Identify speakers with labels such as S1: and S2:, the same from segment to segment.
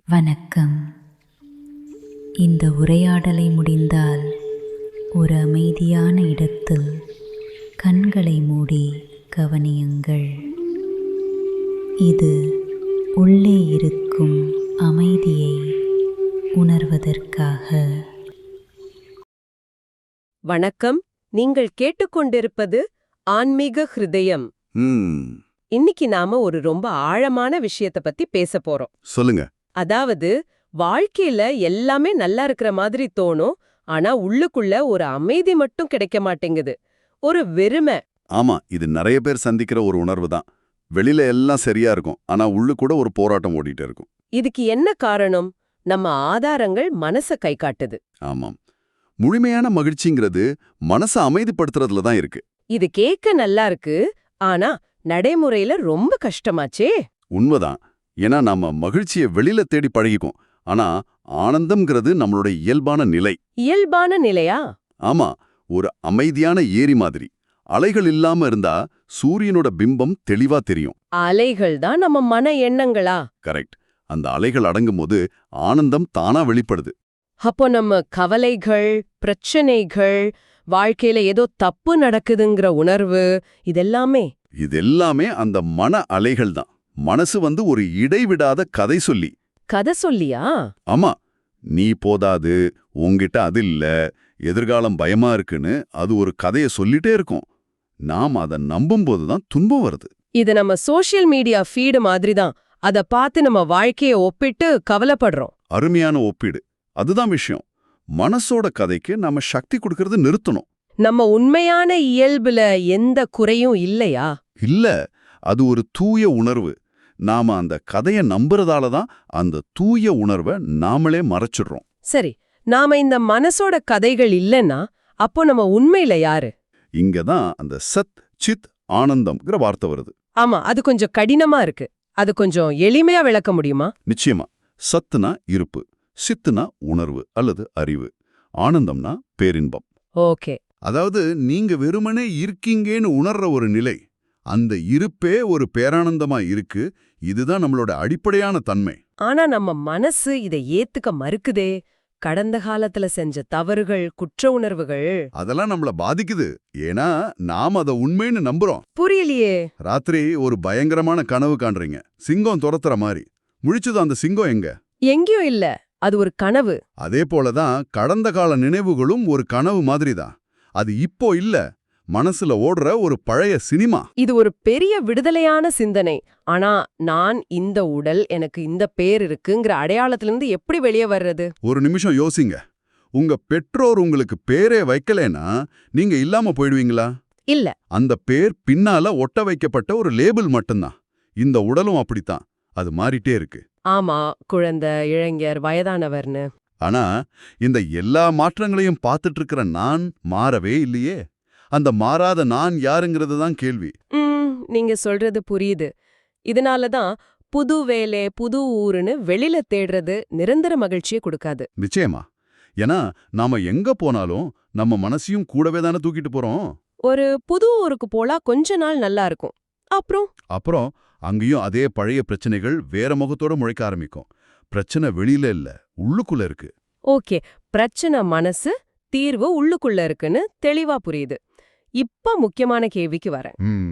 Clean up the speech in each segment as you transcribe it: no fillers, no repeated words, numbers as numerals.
S1: வணக்கம். இந்த உரையாடலை முடிந்தால் ஒரு அமைதியான இடத்தில் கண்களை மூடி கவனியுங்கள். இது உள்ளே இருக்கும் அமைதியை உணர்வதற்காக.
S2: வணக்கம். நீங்கள் கேட்டுக்கொண்டிருப்பது ஆன்மீக ஹிருதயம். இன்னைக்கு நாம ஒரு ரொம்ப ஆழமான விஷயத்த பத்தி பேச போறோம்.
S3: சொல்லுங்க.
S2: அதாவது, வாழ்க்கையில எல்லாமே நல்லா இருக்கிற மாதிரி தோணும், ஆனா உள்ளுக்குள்ள ஒரு அமைதி மட்டும் கிடைக்க மாட்டேங்குது. ஒரு வெறுமை.
S3: ஆமா, இது நிறைய பேர் சந்திக்கிற ஒரு உணர்வு தான். வெளியில எல்லாம் சரியா இருக்கும், ஆனா உள்ளு கூட ஒரு போராட்டம் ஓடிட்டு இருக்கும்.
S2: இதுக்கு என்ன காரணம்? நம்ம ஆதாரங்கள் மனச கை காட்டுது.
S3: ஆமாம், முழுமையான மகிழ்ச்சிங்கிறது மனசை அமைதிப்படுத்துறதுல தான் இருக்கு.
S2: இது கேட்க நல்லா இருக்கு, ஆனா நடைமுறையில ரொம்ப கஷ்டமாச்சே.
S3: உண்மைதான். ஏன்னா நாம மகிழ்ச்சியை வெளியில தேடி பழகிக்கும், ஆனா ஆனந்தம்ங்கிறது நம்மளோட இயல்பான நிலை.
S2: இயல்பான நிலையா?
S3: ஆமா, ஒரு அமைதியான ஏரி மாதிரி. அலைகள் இல்லாம இருந்தா சூரியனோட பிம்பம் தெளிவா தெரியும்.
S2: அலைகள் தான் நம்ம மன எண்ணங்களா?
S3: கரெக்ட். அந்த அலைகள் அடங்கும்போது ஆனந்தம் தானா வெளிப்படுது.
S2: அப்போ நம்ம கவலைகள், பிரச்சனைகள், வாழ்க்கையில ஏதோ தப்பு நடக்குதுங்கிற உணர்வு,
S3: இதெல்லாமே அந்த மன அலைகள் தான். மனசு ஒரு இடைவிடாத கதை சொல்லி.
S2: கதை சொல்லியா?
S3: ஆமா, நீ போதாது, உன்கிட்ட அது இல்ல, எதிர்காலம் பயமா இருக்குன்னு அது ஒரு கதையை சொல்லிட்டே இருக்கும். நாம் அதை நம்பும்போது தான் துன்பம் வருது.
S2: இது நம்ம சோஷியல் மீடியா ஃபீடு மாதிரி தான். அத பார்த்து நம்ம வாழ்க்கைய ஒப்பிட்டு கவலைப்படுறோம்.
S3: அருமையான ஒப்பீடு. அதுதான் விஷயம். மனசோட கதைக்கு நம்ம சக்தி கொடுக்கறது நிறுத்தணும்.
S2: நம்ம உண்மையான இயல்புல எந்த குறையும் இல்லையா?
S3: இல்ல, அது ஒரு தூய உணர்வு. நாம அந்த கதையை நம்புறதால தான் அந்த தூய உணர்வை நாமளே மறைச்சிடுறோம்.
S2: சரி, நாம இந்த மனசோட கதைகள் இல்லைன்னா அப்போ நம்ம உண்மையில யாரு?
S3: இங்கதான் அந்த சத் சித் ஆனந்தம்ங்கிற வார்த்தை வருது.
S2: ஆமா, அது கொஞ்சம் கடினமா இருக்கு. அது கொஞ்சம் எளிமையா விளக்க முடியுமா?
S3: நிச்சயமா. சத்துனா இருப்பு, சித்துனா உணர்வு அல்லது அறிவு, ஆனந்தம்னா பேரின்பம்.
S2: ஓகே.
S3: அதாவது நீங்க வெறுமனே இருக்கீங்கன்னு உணர்ற ஒரு நிலை. அந்த இருப்பே ஒரு பேரானந்தமா இருக்கு. இதுதான் நம்மளோட அடிப்படையான தன்மை.
S2: ஆனா நம்ம மனசு இதை ஏத்துக்க மறுக்குதே. கடந்த காலத்துல செஞ்ச தவறுகள், குற்ற உணர்வுகள்,
S3: அதெல்லாம் நம்மள பாதிக்குது. ஏன்னா நாம் அதை உண்மைன்னு நம்புறோம்.
S2: புரியலையே.
S3: ராத்திரி ஒரு பயங்கரமான கனவு காண்றீங்க, சிங்கம் துரத்துற மாதிரி. முழிச்சது அந்த சிங்கம் எங்க?
S2: எங்கேயும் இல்ல, அது ஒரு கனவு.
S3: அதே போலதான் கடந்த கால நினைவுகளும் ஒரு கனவு மாதிரிதான். அது இப்போ இல்ல, மனசுல ஓடுற ஒரு பழைய சினிமா.
S2: இது ஒரு பெரிய விடுதலையான சிந்தனை. ஆனா நான் இந்த உடல், எனக்கு இந்த பேர் இருக்குங்கிற அடையாளத்திலிருந்து எப்படி வெளியே வர்றது?
S3: ஒரு நிமிஷம் யோசிங்க. உங்க பெற்றோர் உங்களுக்கு பேரே வைக்கலேனா நீங்க இல்லாம போயிடுவீங்களா?
S2: இல்ல.
S3: அந்த பேர் பின்னால ஒட்ட வைக்கப்பட்ட ஒரு லேபிள் மட்டும்தான். இந்த உடலும் அப்படித்தான், அது மாறிட்டே இருக்கு.
S2: ஆமா, குழந்தை, இளைஞர், வயதானவர்னு.
S3: ஆனா இந்த எல்லா மாற்றங்களையும் பார்த்துட்டு இருக்கிற நான் மாறவே இல்லையே. அந்த மாறாத நான் யாருங்கிறது தான் கேள்வி.
S2: நீங்க சொல்றது புரியுது. இதனாலதான் புது வேலை, புது ஊருன்னு வெளியில தேடுறது நிரந்தர மகிழ்ச்சியை கொடுக்காது.
S3: நிச்சயமா. ஏன்னா நாம எங்க போனாலும் நம்ம மனசையும் கூடவே தானே தூக்கிட்டு போறோம்.
S2: ஒரு புது ஊருக்கு போலா கொஞ்ச நாள் நல்லா இருக்கும்.
S3: அப்புறம் அங்கேயும் அதே பழைய பிரச்சனைகள் வேற முகத்தோட முளைக்க ஆரம்பிக்கும். பிரச்சனை வெளியில இல்ல, உள்ளுக்குள்ள இருக்கு.
S2: ஓகே, பிரச்சனை மனசு, தீர்வு உள்ளுக்குள்ள இருக்குன்னு தெளிவா புரியுது. இப்ப முக்கியமான கேள்விக்கு வரேன்.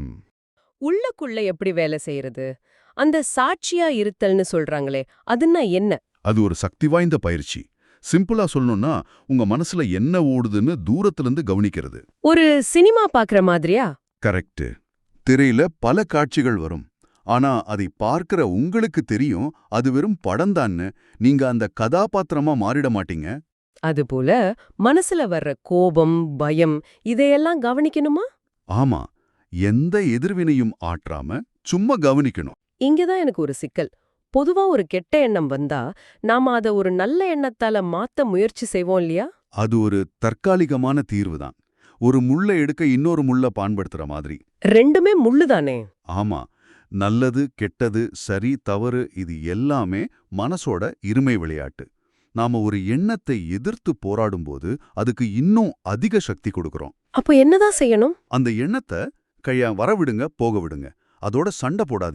S2: உள்ளுக்குள்ள எப்படி வேலை செய்யறது? அந்த சாட்சியா இருத்தல்னு சொல்றாங்களே, அதுன்னா என்ன?
S3: அது ஒரு சக்தி வாய்ந்த பயிற்சி. சிம்பிளா சொல்லணும்னா, உங்க மனசுல என்ன ஓடுதுன்னு தூரத்திலிருந்து கவனிக்கிறது.
S2: ஒரு சினிமா பாக்குற மாதிரியா?
S3: கரெக்ட். திரையில பல காட்சிகள் வரும், ஆனா அதை பார்க்கிற உங்களுக்கு தெரியும் அது வெறும் படம்தான்னு. நீங்க அந்த கதாபாத்திரமா மாறிட மாட்டீங்க.
S2: அதுபோல மனசுல வர்ற கோபம், பயம், இதையெல்லாம் கவனிக்கணுமா?
S3: ஆமா, எந்த எதிர்வினையும் ஆற்றாம சும்மா கவனிக்கணும்.
S2: இங்கதான் எனக்கு ஒரு சிக்கல். பொதுவா ஒரு கெட்ட எண்ணம் வந்தா நாம அத ஒரு நல்ல எண்ணத்தால மாத்த முயற்சி செய்வோம் இல்லையா?
S3: அது ஒரு தற்காலிகமான தீர்வுதான். ஒரு முள்ளை எடுக்க இன்னொரு முள்ள பயன்படுத்துற மாதிரி.
S2: ரெண்டுமே முள்ளுதானே?
S3: ஆமா, நல்லது கெட்டது சரி தவறு இது எல்லாமே மனசோட இருமை விளையாட்டு. நாம ஒரு எண்ணத்தை எதிர்த்து போராடும்போது அதுக்கு இன்னும் அதிக சக்தி கொடுக்கறோம்.
S2: அப்போ என்னதான் செய்யணும்?
S3: அந்த எண்ணத்தை வரவிடுங்க, போக விடுங்க. அதோட சண்டை போடாதீங்க.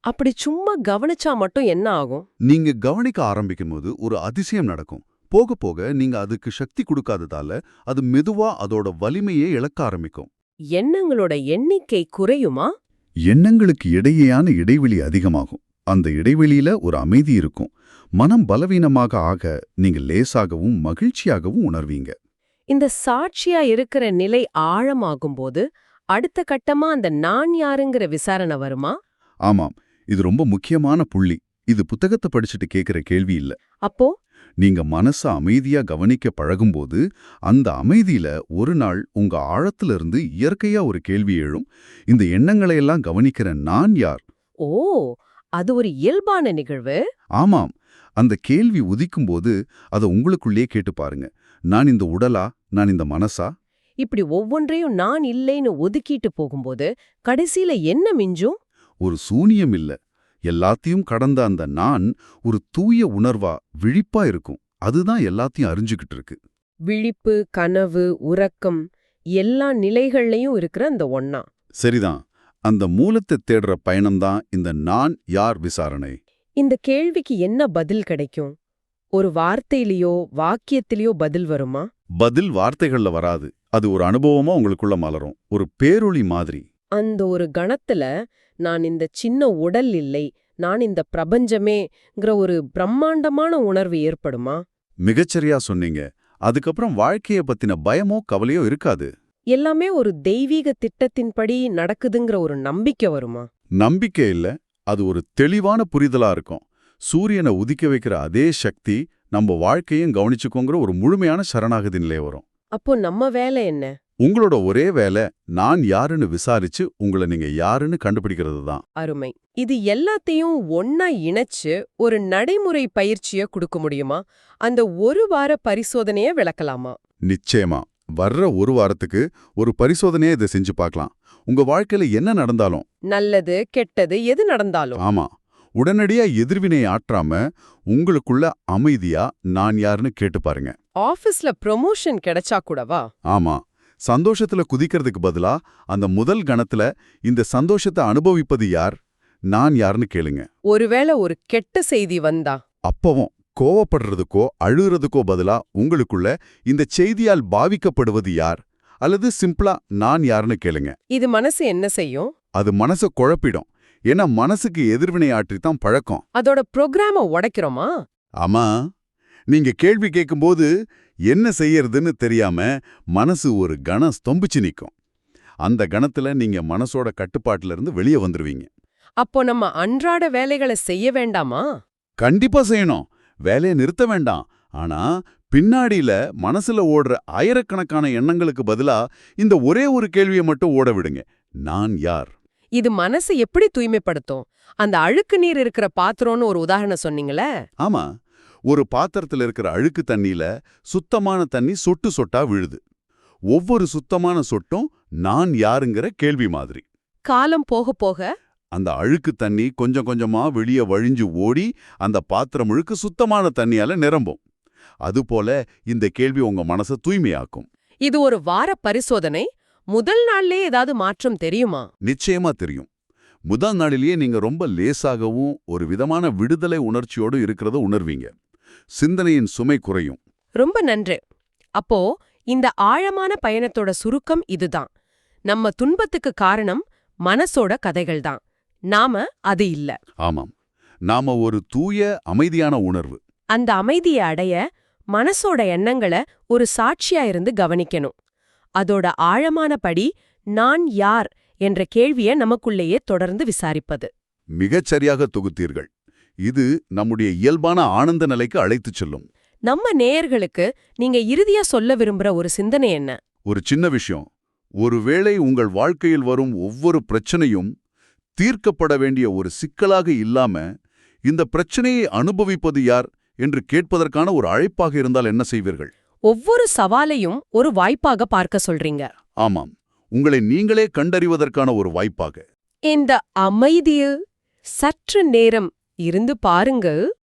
S2: அப்படி சும்மா கவனிச்சா மட்டும் என்ன ஆகும்?
S3: நீங்க கவனிக்க ஆரம்பிக்கும்போது ஒரு அதிசயம் நடக்கும். போக போக நீங்க அதுக்கு சக்தி கொடுக்காததால அது மெதுவா அதோட வலிமையை இழக்க ஆரம்பிக்கும்.
S2: எண்ணங்களோட எண்ணிக்கை குறையுமா?
S3: எண்ணங்களுக்கு இடையேயான இடைவெளி அதிகமாகும். அந்த இடைவெளியில ஒரு அமைதி இருக்கும். மனம் பலவீனமாக ஆக நீங்க லேசாகவும் மகிழ்ச்சியாகவும் உணர்வீங்க.
S2: இந்த சாட்சியா இருக்கிற நிலை ஆழமாகும்போது அடுத்த கட்டமா அந்த நான் யாருங்கிற விசாரணை வருமா?
S3: ஆமாம், இது ரொம்ப முக்கியமான புள்ளி. இது புத்தகத்தை படிச்சுட்டு கேட்கிற கேள்வி இல்ல.
S2: அப்போ
S3: நீங்க மனச அமைதியா கவனிக்க பழகும்போது அந்த அமைதியில ஒரு நாள் உங்க ஆழத்திலிருந்து இயற்கையா ஒரு கேள்வி எழும். இந்த எண்ணங்களையெல்லாம் கவனிக்கிற நான் யார்?
S2: ஓ, அது ஒரு இயல்பான நிகழ்வு.
S3: ஆமாம், அந்த கேள்வி உதிக்கும்போது அதை உங்களுக்குள்ளே கேட்டு பாருங்க. நான் இந்த உடலா? நான் இந்த மனசா?
S2: இப்படி ஒவ்வொன்றையும் நான் இல்லைன்னு ஒதுக்கிட்டு போகும்போது கடைசியில என்ன மிஞ்சும்?
S3: ஒரு சூனியம் இல்ல. எல்லாத்தையும் கடந்த அந்த நான் ஒரு தூய உணர்வா விழிப்பா இருக்கும். அதுதான் எல்லாத்தையும் அறிஞ்சுக்கிட்டு இருக்கு.
S2: விழிப்பு, கனவு, உறக்கம் எல்லா நிலைகள்லயும் இருக்கிற அந்த ஒண்ணா.
S3: சரிதான். அந்த மூலத்தை தேடுற பயணம்தான் இந்த நான் யார் விசாரணை.
S2: இந்த கேள்விக்கு என்ன பதில் கிடைக்கும்? ஒரு வார்த்தையிலயோ வாக்கியத்திலயோ பதில் வருமா?
S3: பதில் வார்த்தைகள்ல வராது. அது ஒரு அனுபவமா உங்களுக்குள்ள மலரும். ஒரு பேரொளி மாதிரி.
S2: அந்த ஒரு கணத்துல நான் இந்த சின்ன உடல் இல்லை, நான் இந்த பிரபஞ்சமேங்கிற ஒரு பிரம்மாண்டமான உணர்வு ஏற்படுமா?
S3: மிகச்சரியா சொன்னீங்க. அதுக்கப்புறம் வாழ்க்கைய பத்தின பயமோ கவலையோ இருக்காது.
S2: எல்லாமே ஒரு தெய்வீக திட்டத்தின்படி நடக்குதுங்கிற ஒரு நம்பிக்கை வருமா?
S3: நம்பிக்கை இல்ல, அது ஒரு தெளிவான புரிதலா இருக்கும். சூரியனை உதிக்க வைக்கிற அதே சக்தி நம்ம வாழ்க்கையும் கவனிச்சுக்கோங்கிற ஒரு முழுமையான சரணாகதி நிலை வரும்.
S2: அப்போ நம்ம வேலை என்ன?
S3: உங்களோட ஒரே வேலை நான் யாருன்னு விசாரிச்சு உங்களை நீங்க யாருன்னு கண்டுபிடிக்கிறது தான்.
S2: அருமை. இது எல்லாத்தையும் ஒன்னா இணைச்சு ஒரு நடைமுறை பயிற்சிய கொடுக்க முடியுமா? அந்த ஒரு வார பரிசோதனைய விளக்கலாமா?
S3: நிச்சயமா. வர்ற ஒரு வாரத்துக்கு ஒரு பரிசோதனையை இதை செஞ்சு பார்க்கலாம். உங்க வாழ்க்கையில என்ன நடந்தாலும்,
S2: நல்லது கெட்டது எது நடந்தாலும்.
S3: ஆமா, உடனடியா எதிர்வினை ஆற்றாம உங்களுக்குள்ள அமைதியா நான் யாருன்னு கேட்டு பாருங்க.
S2: ஆபீஸ்ல ப்ரொமோஷன் கிடைச்சா கூடவா?
S3: ஆமா, சந்தோஷத்துல குதிக்கிறதுக்கு பதிலா அந்த முதல் கணத்துல இந்த சந்தோஷத்தை அனுபவிப்பது யார், நான் யாருன்னு கேளுங்க.
S2: ஒருவேளை ஒரு கெட்ட செய்தி வந்தா
S3: அப்பவும் கோவப்படுறதுக்கோ அழுகிறதுக்கோ பதிலா உங்களுக்குள்ள இந்த செய்தியால் பாவிக்கப்படுவது யார், அல்லது சிம்பிளா நான் யாருன்னு கேளுங்க.
S2: இது மனசு என்ன செய்யும்?
S3: அது மனச குழப்பிடும். ஏன்னா மனசுக்கு எதிர்வினை ஆற்றித்தான் பழக்கம்.
S2: அதோட ப்ரோக்ராம உடைக்கிறோமா?
S3: ஆமா, நீங்க கேள்வி கேட்கும்போது என்ன செய்யறதுன்னு தெரியாம மனசு ஒரு கணம் ஸ்தம்பிச்சு நிக்கும். அந்த கணத்துல நீங்க மனசோட கட்டுப்பாட்டுல இருந்து வெளியே வந்துருவீங்க.
S2: அப்போ நம்ம அன்றாட வேலைகளை செய்ய வேண்டாமா?
S3: கண்டிப்பா செய்யணும். வேலையை நிறுத்த வேண்டாம். ஆனா பின்னாடியில மனசுல ஓடுற ஆயிரக்கணக்கான எண்ணங்களுக்கு பதிலா இந்த ஒரே ஒரு கேள்வியை மட்டும் ஓட விடுங்க. நான் யார்?
S2: இது மனசு எப்படி தூய்மைப்படுத்தும்? அந்த அழுக்கு நீர் இருக்கிற பாத்திரம்னு ஒரு உதாரணம் சொன்னீங்களே.
S3: ஆமா, ஒரு பாத்திரத்துல இருக்கிற அழுக்கு தண்ணியில சுத்தமான தண்ணி சொட்டு சொட்டா விழுது. ஒவ்வொரு சுத்தமான சொட்டும் நான் யாருங்கிற கேள்வி மாதிரி.
S2: காலம் போக போக
S3: அந்த அழுக்கு தண்ணி கொஞ்சம் கொஞ்சமா வெளியே வழிஞ்சு ஓடி அந்த பாத்திரம் முழுக்க சுத்தமான தண்ணியால நிரம்பும். அதுபோல இந்த கேள்வி உங்க மனசை தூய்மையாக்கும்.
S2: இது ஒரு வார பரிசோதனை. முதல் நாள்லயே ஏதாவது மாற்றம் தெரியுமா?
S3: நிச்சயமா தெரியும். முதல் நாளிலேயே நீங்க ரொம்ப லேசாகவும் ஒரு விதமான விடுதலை உணர்ச்சியோடு இருக்கிறத உணர்வீங்க. சிந்தனையின் சுமை குறையும்.
S2: ரொம்ப நன்று. அப்போ இந்த ஆழமான பயணத்தோட சுருக்கம் இதுதான். நம்ம துன்பத்துக்கு காரணம் மனசோட கதைகள்தான். நாம அது இல்ல.
S3: ஆமாம், நாம ஒரு தூய அமைதியான உணர்வு.
S2: அந்த அமைதியை அடைய மனசோட எண்ணங்களை ஒரு சாட்சியா இருந்து கவனிக்கணும். அதோட ஆழமான படி நான் யார் என்ற கேள்வியை நமக்குள்ளேயே தொடர்ந்து விசாரிப்பது.
S3: மிகச்சரியாக தொகுத்தீர்கள். இது நம்முடைய இயல்பான ஆனந்த நிலைக்கு அழைத்துச் செல்லும்.
S2: நம்ம நேயர்களுக்கு நீங்க இறுதியா சொல்ல விரும்புற ஒரு சிந்தனை என்ன?
S3: ஒரு சின்ன விஷயம். ஒருவேளை உங்கள் வாழ்க்கையில் வரும் ஒவ்வொரு பிரச்சனையும் தீர்க்கப்பட வேண்டிய ஒரு சிக்கலாக இல்லாம இந்த பிரச்சனையை அனுபவிப்பது யார் என்று கேட்பதற்கான ஒரு அழைப்பாக இருந்தால் என்ன செய்வீர்கள்?
S2: ஒவ்வொரு சவாலையும் ஒரு வாய்ப்பாக பார்க்க சொல்றீங்க.
S3: ஆமாம், உங்களை நீங்களே கண்டறிவதற்கான ஒரு வாய்ப்பாக.
S2: இந்த அமைதியில் சற்று நேரம் இருந்து பாருங்க.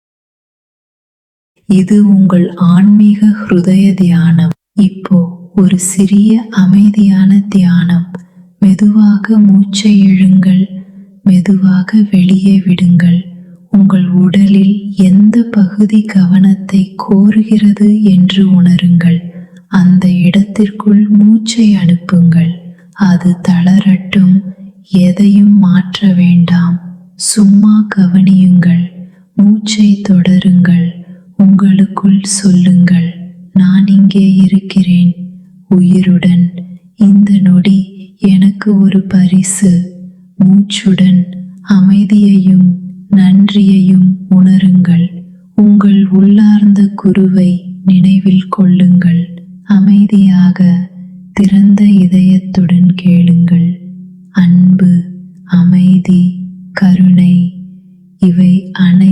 S1: இது உங்கள் ஆன்மீக ஹிருதய தியானம். இப்போ ஒரு சிறிய அமைதியான தியானம். மெதுவாக மூச்சை இழுங்கள், மெதுவாக வெளியே விடுங்கள். உங்கள் உடலில் எந்த பகுதி கவனத்தை கோருகிறது என்று உணருங்கள். அந்த இடத்திற்குள் மூச்சை அனுப்புங்கள். அது தளரட்டும். எதையும் மாற்ற வேண்டாம். சும்மா கவனியுங்கள். மூச்சை தொடருங்கள். உங்களுக்குள் சொல்லுங்கள், நான் இங்கே இருக்கிறேன், உயிருடன். இந்த நொடி எனக்கு ஒரு பரிசு. மூச்சுடன் அமைதியையும் நன்றியையும் உணருங்கள். உங்கள் உள்ளார்ந்த குருவை நினைவில் கொள்ளுங்கள். அமைதியாக திறந்த இதயத்துடன் கேளுங்கள். அன்பு, அமைதி, கருணை இவை அனைத்தும்